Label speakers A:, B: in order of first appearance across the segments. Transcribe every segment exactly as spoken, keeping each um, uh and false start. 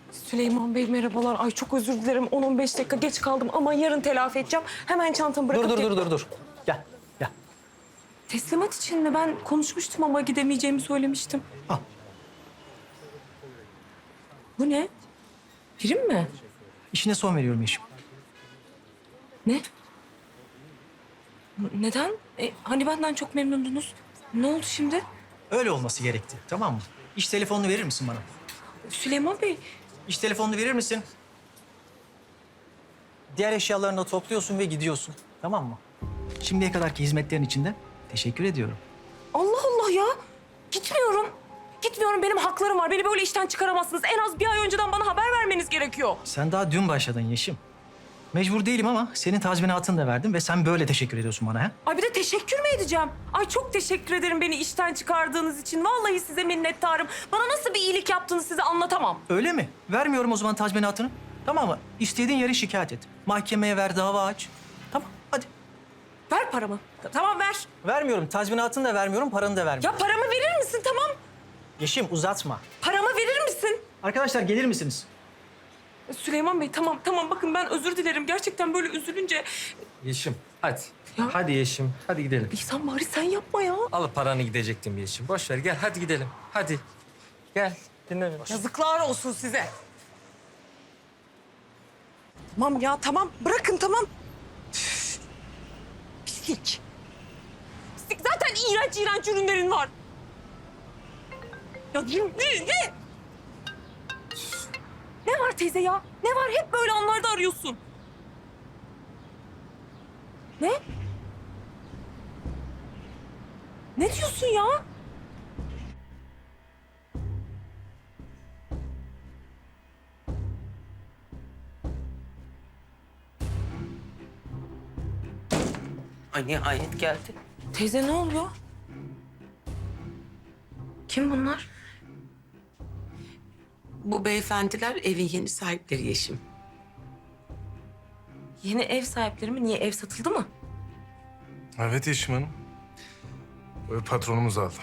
A: Süleyman Bey merhabalar. Ay çok özür dilerim. on on beş dakika geç kaldım ama yarın telafi edeceğim. Hemen çantamı bırakıp...
B: Dur dur
A: gel-
B: dur dur dur. Gel gel.
A: Teslimat için mi? Ben konuşmuştum ama gidemeyeceğimi söylemiştim.
B: Al.
A: Bu ne? Prim mi?
B: İşine son veriyorum Yeşim.
A: Ne? N- Neden? E, hani benden çok memnundunuz. Ne oldu şimdi?
B: Öyle olması gerekti, tamam mı? İş telefonunu verir misin bana?
A: Süleyman Bey,
B: İş telefonunu verir misin? Diğer eşyalarını da topluyorsun ve gidiyorsun, tamam mı? Şimdiye kadarki hizmetlerin için de teşekkür ediyorum.
A: Allah Allah ya. Gitmiyorum. Gitmiyorum. Benim haklarım var. Beni böyle işten çıkaramazsınız. En az bir ay önceden bana haber vermeniz gerekiyor.
B: Sen daha dün başladın Yeşim. Mecbur değilim ama senin tazminatını da verdim ve sen böyle teşekkür ediyorsun bana ha?
A: Ay bir de teşekkür mü edeceğim? Ay çok teşekkür ederim beni işten çıkardığınız için. Vallahi size minnettarım. Bana nasıl bir iyilik yaptığını size anlatamam.
B: Öyle mi? Vermiyorum o zaman tazminatını. Tamam mı? İstediğin yere şikayet et. Mahkemeye ver, dava aç. Tamam, hadi.
A: Ver paramı. Ta- Tamam ver.
B: Vermiyorum, tazminatını da vermiyorum, paranı da vermiyorum.
A: Ya paramı verir misin? Tamam.
B: Yeşim uzatma.
A: Paramı verir misin?
B: Arkadaşlar gelir misiniz?
A: Süleyman Bey tamam tamam bakın ben özür dilerim. Gerçekten böyle üzülünce...
C: Yeşim hadi.
A: Ya.
C: Hadi Yeşim hadi gidelim.
A: İhsan bari sen yapma ya.
C: Alıp paranı gidecektim Yeşim. Boş ver gel hadi gidelim. Hadi. Gel dinle beni.
A: Yazıklar olsun size. Tamam ya tamam bırakın tamam. Üf. Pislik. Pislik zaten iğrenç iğrenç ürünlerin var. Ya ne, ne, ne? Ne var teyze ya? Ne var? Hep böyle anlarda arıyorsun. Ne? Ne diyorsun ya?
D: Ay nihayet geldi.
A: Teyze ne oluyor? Kim bunlar?
D: Bu beyefendiler evin yeni sahipleri Yeşim.
A: Yeni ev sahipleri mi? Niye ev satıldı mı?
E: Evet Yeşim Hanım. Öyle patronumuz aldı.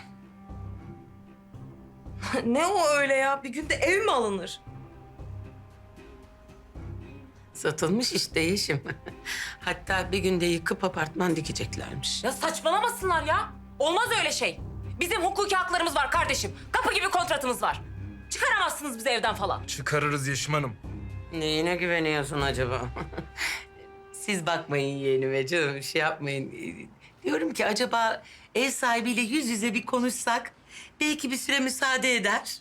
A: Ne o öyle ya? Bir günde ev mi alınır?
D: Satılmış işte Yeşim. Hatta bir günde yıkıp apartman dikeceklermiş.
A: Ya saçmalamasınlar ya. Olmaz öyle şey. Bizim hukuki haklarımız var kardeşim. Kapı gibi kontratımız var. Çıkaramazsınız bizi evden falan.
E: Çıkarırız Yeşim Hanım.
D: Neyine güveniyorsun acaba? Siz bakmayın yeğenime canım, şey yapmayın. Diyorum ki acaba ev sahibiyle yüz yüze bir konuşsak... belki bir süre müsaade eder.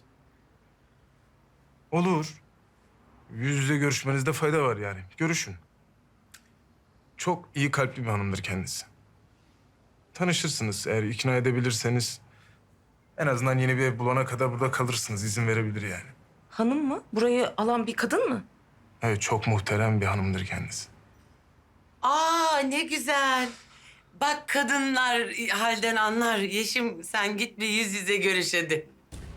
E: Olur. Yüz yüze görüşmenizde fayda var yani. Görüşün. Çok iyi kalpli bir hanımdır kendisi. Tanışırsınız eğer ikna edebilirseniz. En azından yeni bir ev bulana kadar burada kalırsınız. İzin verebilir yani.
A: Hanım mı? Burayı alan bir kadın mı?
E: Evet çok muhterem bir hanımdır kendisi.
D: Aa ne güzel. Bak kadınlar halden anlar. Yeşim sen git bir yüz yüze görüş hadi.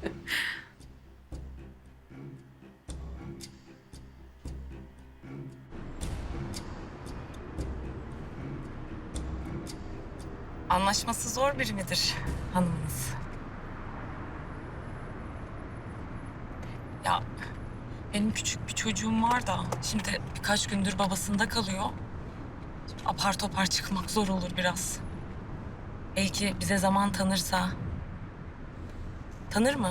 A: Anlaşması zor biri midir hanımınız? Ya benim küçük bir çocuğum var da şimdi birkaç gündür babasında kalıyor. Apar topar çıkmak zor olur biraz. Belki bize zaman tanırsa. Tanır mı?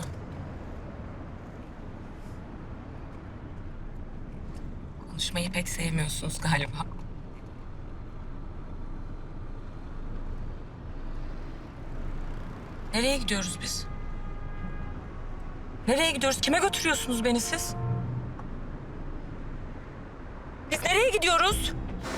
A: Konuşmayı pek sevmiyorsunuz galiba. Nereye gidiyoruz biz? Nereye gidiyoruz? Kime götürüyorsunuz beni siz? Biz nereye gidiyoruz?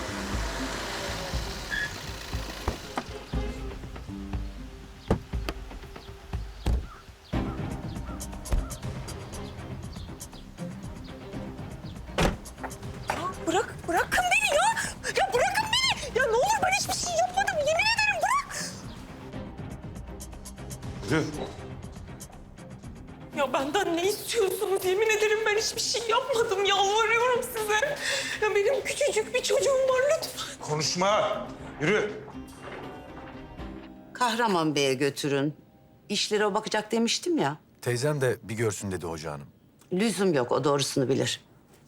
A: Ya bırak, bırakın beni ya! Ya bırakın beni! Ya ne olur ben hiçbir şey yapmadım. Yemin ederim bırak!
E: Yürü.
A: Ya benden ne istiyorsunuz? Yemin ederim ben hiçbir şey yapmadım. Yalvarıyorum size. Ya benim küçücük bir çocuğum var lütfen.
E: Konuşma. Yürü.
F: Kahraman Bey'e götürün. İşlere o bakacak demiştim ya.
G: Teyzem de bir görsün dedi hoca hanım.
D: Lüzum yok, o doğrusunu bilir.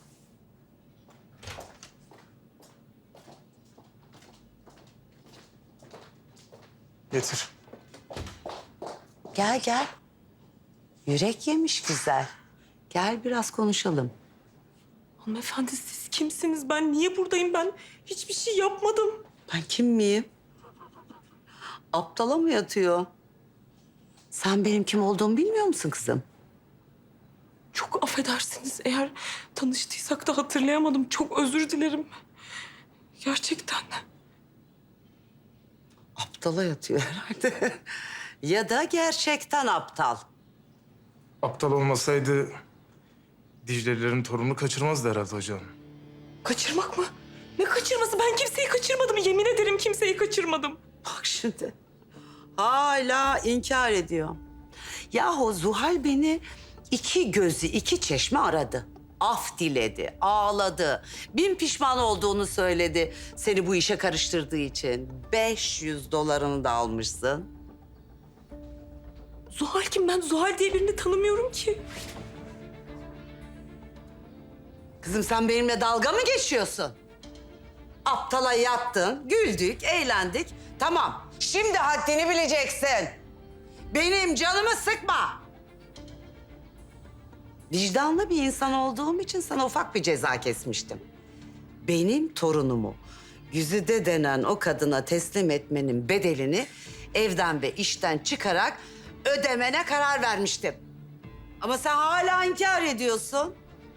E: Getir.
D: Gel gel. Yürek yemiş güzel. Gel biraz konuşalım.
F: Hanımefendi siz kimsiniz? Ben niye buradayım? Ben hiçbir şey yapmadım.
D: Ben kim miyim? Aptala mı yatıyor? Sen benim kim olduğumu bilmiyor musun kızım?
F: Çok affedersiniz. Eğer tanıştıysak da hatırlayamadım. Çok özür dilerim. Gerçekten.
D: Aptala yatıyor herhalde. Ya da gerçekten aptal.
E: Aptal olmasaydı Dicle'lilerin torununu kaçırmazdı herhalde hocam.
F: Kaçırmak mı? Ne kaçırması? Ben kimseyi kaçırmadım. Yemin ederim kimseyi kaçırmadım.
D: Bak şimdi. Hala inkar ediyor. Yahu Zuhal beni iki gözü iki çeşme aradı. Af diledi, ağladı. Bin pişman olduğunu söyledi seni bu işe karıştırdığı için. beş yüz dolarını da almışsın.
F: Zuhal kim? Ben Zuhal diye birini tanımıyorum ki.
D: Kızım sen benimle dalga mı geçiyorsun? Aptala yattın, güldük, eğlendik. Tamam, şimdi haddini bileceksin. Benim canımı sıkma. Vicdanlı bir insan olduğum için sana ufak bir ceza kesmiştim. Benim torunumu Güzide denen o kadına teslim etmenin bedelini evden ve işten çıkarak ödemene karar vermiştim. Ama sen hala inkar ediyorsun.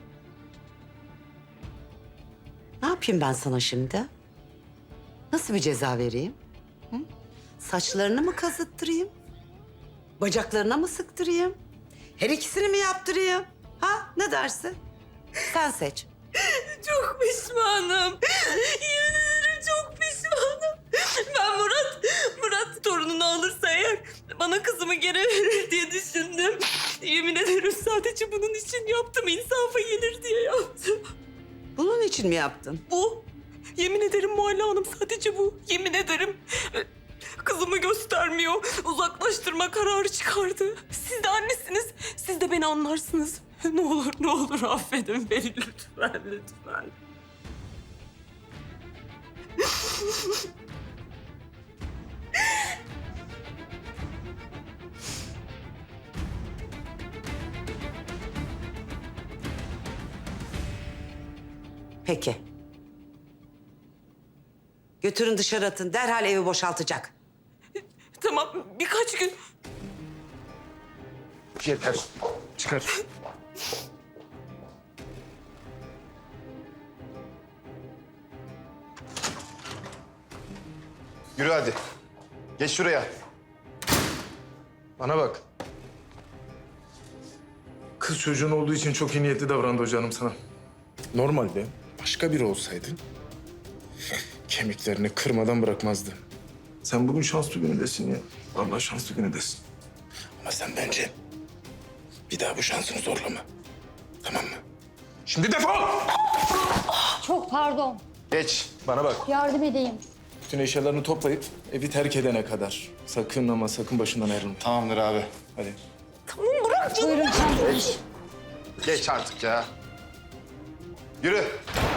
D: Ne yapayım ben sana şimdi? Nasıl bir ceza vereyim? Hı? Saçlarını mı kazıttırayım? Bacaklarına mı sıktırayım? Her ikisini mi yaptırayım? Ha, ne dersin? Sen seç.
F: Çok pişmanım. Yemin ederim çok pişmanım. Ben Murat, Murat torununu alırsa eğer bana kızımı geri verir diye düşündüm. Yemin ederim sadece bunun için yaptım. İnsafa gelir diye yaptım.
D: Bunun için mi yaptın?
F: Bu. Yemin ederim Muhalle Hanım sadece bu. Yemin ederim. Kızımı göstermiyor. Uzaklaştırma kararı çıkardı. Siz de annesiniz. Siz de beni anlarsınız. Ne olur ne olur affedin beni lütfen lütfen.
D: Peki. Götürün dışarı atın. Derhal evi boşaltacak.
F: Tamam birkaç gün.
E: Yeter. Çıkar.
G: Yürü hadi. Geç şuraya.
E: Bana bak. Kız çocuğun olduğu için çok iyi niyetli davrandı hocanım sana. Normalde başka biri olsaydı kemiklerini kırmadan bırakmazdı. Sen bugün şanslı günündesin ya. Vallahi şanslı günündesin. Ama sen bence bir daha bu şansını zorlama. Tamam mı? Şimdi defol!
H: Çok pardon.
G: Geç.
E: Bana bak.
H: Yardım edeyim.
E: Bütün eşyalarını toplayıp evi terk edene kadar. Sakın ama sakın başından ayrılma.
G: Tamamdır abi.
E: Hadi.
H: Buyurun çantanız.
G: Geç artık ya. Yürü.